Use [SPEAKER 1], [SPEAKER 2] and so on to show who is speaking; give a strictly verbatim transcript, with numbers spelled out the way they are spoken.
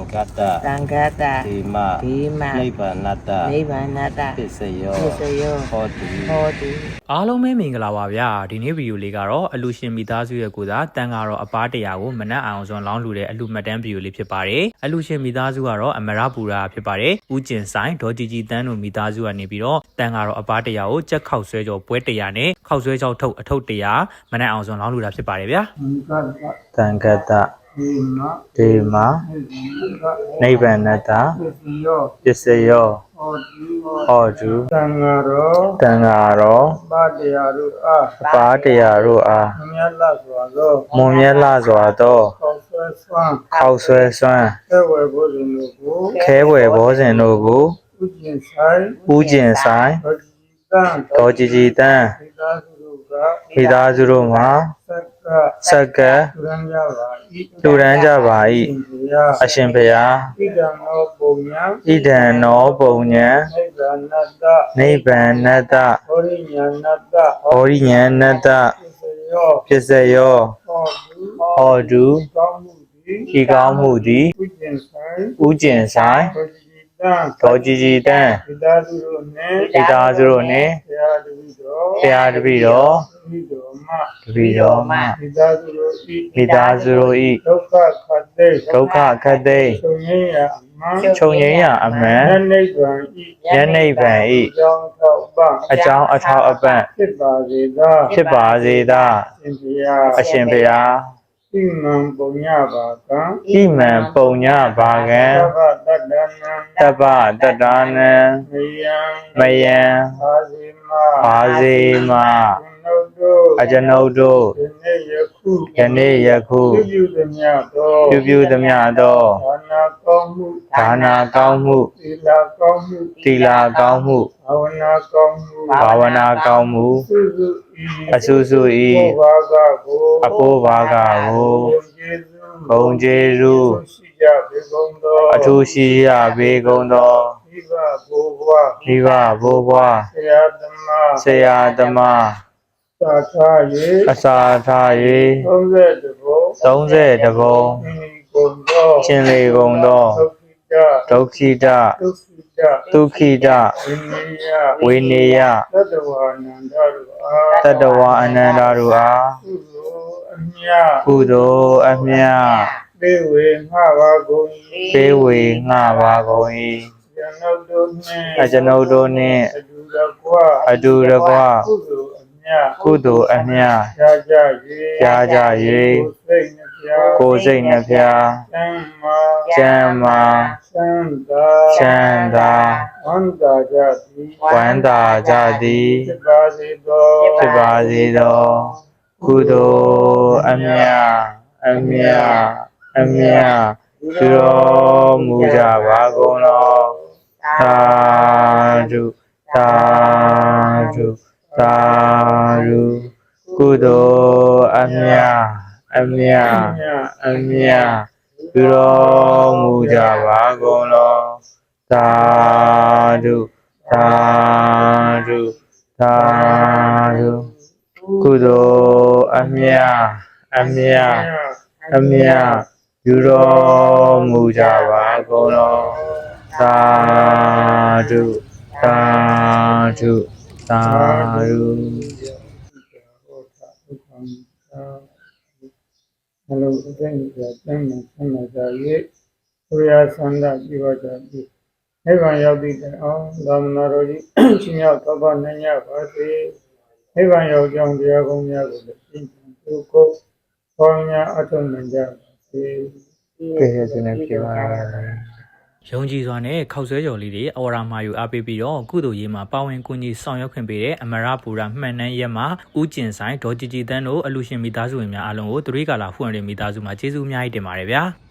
[SPEAKER 1] ဂတ္တ
[SPEAKER 2] သံဃတ
[SPEAKER 1] ဓမ္မ
[SPEAKER 2] ဓမ္မ
[SPEAKER 1] နိဗ္ဗာနတ္တ
[SPEAKER 2] နိဗ္ဗာနတ
[SPEAKER 1] ပစ္စယော
[SPEAKER 2] ပစ္စယော
[SPEAKER 1] ဟောတိ
[SPEAKER 2] ဟောတိ
[SPEAKER 3] အားလုံးပဲမင်္ဂလာပါဗျာဒီနေ့ဗီဒီယိုလေးကတော့အလူရှင်မိသားစုရဲ့ကိုစားတန်ကတော့အပားတရာကိုမနက်အောင်စွန်လောင်းလူတဲ့အလူမှတ်တမ်းဗီဒီယိုလေးဖြစ်ပါတယ်အလူရှင်မိသားစုကတော့အမရပူရာဖြစ်ပါတယ်ဦးကျင်ဆိုင်ဒေါ်ကြည်ကြည်တန်းတို့မိသားစုကနေပြီးတော့တန်ကတော့အပားတရာကိုကြက်ခောက်ဆွဲကြောပွဲတရာနဲ့ခောက်ဆွဲကြောထုတ်အထုပ်တရာမနက်အောင်စွန်လောင်းလူတာဖြစ်ပါတယ်ဗျာ
[SPEAKER 1] သံဃတဒေမနိဗ္ဗာနတ္တပစ္စယောဟောတု
[SPEAKER 4] တန်ဃာရော
[SPEAKER 1] တန်ဃာရော
[SPEAKER 4] ပါတရားတို့အား
[SPEAKER 1] အပါတရားတို့အား
[SPEAKER 4] မြတ်လစွာသော
[SPEAKER 1] မွန်မြတ်လာစွာသော
[SPEAKER 4] ကောက်ဆွဲဆွမ်း
[SPEAKER 1] ခောက်ဆွဲစွမ်း
[SPEAKER 4] ခဲဝယ်ဘောဇင်တို့ကို
[SPEAKER 1] ခဲဝယ်ဘောဇင်တို့ကို
[SPEAKER 4] ဥကျင်ဆိုင်
[SPEAKER 1] ဥကျင်ဆိုင်
[SPEAKER 4] ဒေါ်ကြည်တန်း
[SPEAKER 1] ဒေါ်ကြည်ကြည်တန်း
[SPEAKER 4] မိသားစုတို့က
[SPEAKER 1] မိသားစုတို့မှာ
[SPEAKER 4] သက်က
[SPEAKER 1] ဆက်က
[SPEAKER 4] လူရန်ကြပါ၏
[SPEAKER 1] လူရန်ကြပါ၏အရှင်ဘုရား
[SPEAKER 4] ဣဒံနောပုံညာ
[SPEAKER 1] ဣဒံနောပုံညာ
[SPEAKER 4] နိဗ္ဗာနတ္တ
[SPEAKER 1] နိဗ္ဗာနတ္တ
[SPEAKER 4] ဟောရိညာဏတ္တ
[SPEAKER 1] ဟောရိညာဏတ္တ
[SPEAKER 4] ပစ္စယော
[SPEAKER 1] ပစ္စယော
[SPEAKER 4] ဟောတု
[SPEAKER 1] ဟောတု
[SPEAKER 4] ကောင်းမှုသည်
[SPEAKER 1] ဤကောင်းမှုသည်
[SPEAKER 4] ဥကျင်ဆိုင်
[SPEAKER 1] ဥကျင်ဆိုင်
[SPEAKER 4] ဒေါ်ကြည်တန်း
[SPEAKER 1] ဒေါ်ကြည်ကြည်တန်း
[SPEAKER 4] မိသားစုတို့နှင့်
[SPEAKER 1] မိသားစုတို့နှင့်
[SPEAKER 4] ဘုရားတပည့်တော်
[SPEAKER 1] ဘုရားတပည့်တော်
[SPEAKER 4] တပည့်တော်မှ
[SPEAKER 1] တပည့်တော်မှ
[SPEAKER 4] မိသားစုတို့ဤ
[SPEAKER 1] မိသားစုတို့၏
[SPEAKER 4] ဒုက္ခခတ်သိ
[SPEAKER 1] ဒုက္ခခတ်သိမ်း
[SPEAKER 4] ချုပ်ငြိမ်းရာအမှန်
[SPEAKER 1] ချုပ်ငြိမ်းရာအမှန်
[SPEAKER 4] ဉာဏ်နိဗ္ဗာန်ဤ
[SPEAKER 1] ဉာဏ်နိဗ္ဗာန်
[SPEAKER 4] အ
[SPEAKER 1] ၏
[SPEAKER 4] ကြောင်းထောက်ပံ့
[SPEAKER 1] အကြောင်းအထောက်အပံ့
[SPEAKER 4] ဖြစ်ပါစေသာ
[SPEAKER 1] ဖြစ်ပါစေသာ
[SPEAKER 4] ရှင်ဘုရား
[SPEAKER 1] အရှင်ဘုရား
[SPEAKER 4] ဣမံပုံညပါကံ
[SPEAKER 1] ဣမံပုံညဘာကံ
[SPEAKER 4] သဗ္ဗတတ္တနံ
[SPEAKER 1] တပ္ပတတ္တနံ
[SPEAKER 4] မယံ
[SPEAKER 1] မယံ
[SPEAKER 4] အာဇိမ
[SPEAKER 1] ဘာစေမ
[SPEAKER 4] နုတ်တို့
[SPEAKER 1] အကျွန်ုပ်တို့
[SPEAKER 4] ဒီနေ့ယခု
[SPEAKER 1] ယနေ့ယခု
[SPEAKER 4] ပြုပြုသမျှသော
[SPEAKER 1] ပြုပြုသမျှသော
[SPEAKER 4] ဒါနာကောင်းမှု
[SPEAKER 1] ဒါနာကောင်းမှု
[SPEAKER 4] သီလကောင်းမှု
[SPEAKER 1] သီလကောင်းမှု
[SPEAKER 4] ဘာဝနာကောင်းမှု
[SPEAKER 1] ဘာဝနာကောင်းမှု
[SPEAKER 4] စုစုဤ
[SPEAKER 1] အဆူဆူဤ
[SPEAKER 4] ဘောဘာကကို
[SPEAKER 1] အဖို့ဘာကကို
[SPEAKER 4] ဘုံကျေးဇူး
[SPEAKER 1] ဂုံကျေးဇူး
[SPEAKER 4] ရှိကြပေကုန်သော
[SPEAKER 1] အထူးရှိရပေကုန်သော
[SPEAKER 4] မိဘဘိုးဘွား
[SPEAKER 1] မိဘဘိုးဘွား
[SPEAKER 4] ဆရာသမား
[SPEAKER 1] ဆရာသမား
[SPEAKER 4] သာသာ၍
[SPEAKER 1] အစာထား၍
[SPEAKER 4] သုံးဆယ်တဘုံ
[SPEAKER 1] သုံးဆယ်တဘုံ
[SPEAKER 4] မိကုန်သော
[SPEAKER 1] ချင်းလေကုန်သော
[SPEAKER 4] ဒုက္ခိတ
[SPEAKER 1] ဒုက္ခိတ
[SPEAKER 4] ဒုက္ခိတ
[SPEAKER 1] ဒုက္ခိတ
[SPEAKER 4] ဝိနည်းယ
[SPEAKER 1] ဝိနည်းယ
[SPEAKER 4] သတ္တဝါနန္ဒတို့အား
[SPEAKER 1] တတ္တဝအနန္တတို့အား
[SPEAKER 4] ကုသိုလ်အမြတ်
[SPEAKER 1] ကုသိုလ်အမြတ်
[SPEAKER 4] ပေးဝေငှပါကုန်၏
[SPEAKER 1] ပေးဝေငှပါကုန်၏
[SPEAKER 4] ကျွန်ုပ်တို့နှင့်
[SPEAKER 1] အကျွန်ုပ်တို့နှင့်
[SPEAKER 4] အတူတကွ
[SPEAKER 1] အတူတကွ
[SPEAKER 4] ကုသိုလ်အမြတ်
[SPEAKER 1] ကုသိုလ်အမြတ်
[SPEAKER 4] ကြာကြ
[SPEAKER 1] ကြာ
[SPEAKER 4] ၍
[SPEAKER 1] ကြ
[SPEAKER 4] ၍
[SPEAKER 1] ကိုယ်စိတ်နှဖျား
[SPEAKER 4] ကိုယ်စိတ်နှဖျား
[SPEAKER 1] ကျမ်းမာ
[SPEAKER 4] ကျမ်းမာ
[SPEAKER 1] ကျမ်းမာ
[SPEAKER 4] ချမ်းသာ
[SPEAKER 1] ချမ်းသာ
[SPEAKER 4] ဝမ်းသာကြသည်
[SPEAKER 1] ဝမ်းသာကြသည်
[SPEAKER 4] ဖြစ်ပါစေသော
[SPEAKER 1] ဖြစ်ပါစေသောကုသိုလ်အမြတ်အမြတ်အမြတ်ပြုတော်မူကြပါကုန်သောသာဓုသာဓုသာဓုကုသိုလ်အမြတ်အမြတ်အမြတ်ပြုတော်မူကြပါကုန်သောသာဓုသာဓုသာဓုကုသိုလ်အမြတ်အမြတ်အမြတ်ပြုတော်မူကြပါကုန်သောသာဓုသာဓုသာဓု
[SPEAKER 4] အလုံးအသိဉာဏ်ကျမ်းမှဆန္ဒကြ၍ဘုရားဆန္ဒပြုပါကြသည်နိဗ္ဗာန်ရောက်သည့်တိုင်အောင်သာမဏေတော်ကြီးရှင်ရောက်သဗ္ဗနိုင်ရပါစေနိဗ္ဗာန်ရောက်ကြောင်းတရားကောင်းများကိုလည်းသိသူကိုပေါင်းများအထုံးနိုင်ကြပါစေ
[SPEAKER 1] ကဲ့ရဲ့စနေပြေပါလား
[SPEAKER 3] ယုံကြည်စွာနဲ့ခောက်ဆွဲကြော်လေးတွေအော်ရာမာယူအားပေးပြီးတော့ကုသိုလ်ရေးမှာပါဝင်ကူညီဆောင်ရွက်ခွင့်ပေးတဲ့အမရပူရာမှန်နှန်းရက်မှာဦးကျင်ဆိုင်ဒေါ်ကြည်ကြည်တန်းတို့အလူရှင်မိသားစုဝင်များအားလုံးကိုတရိကာလာဖွင့်ရတဲ့မိသားစုမှာကျေးဇူးအများကြီးတင်ပါတယ်ဗျာ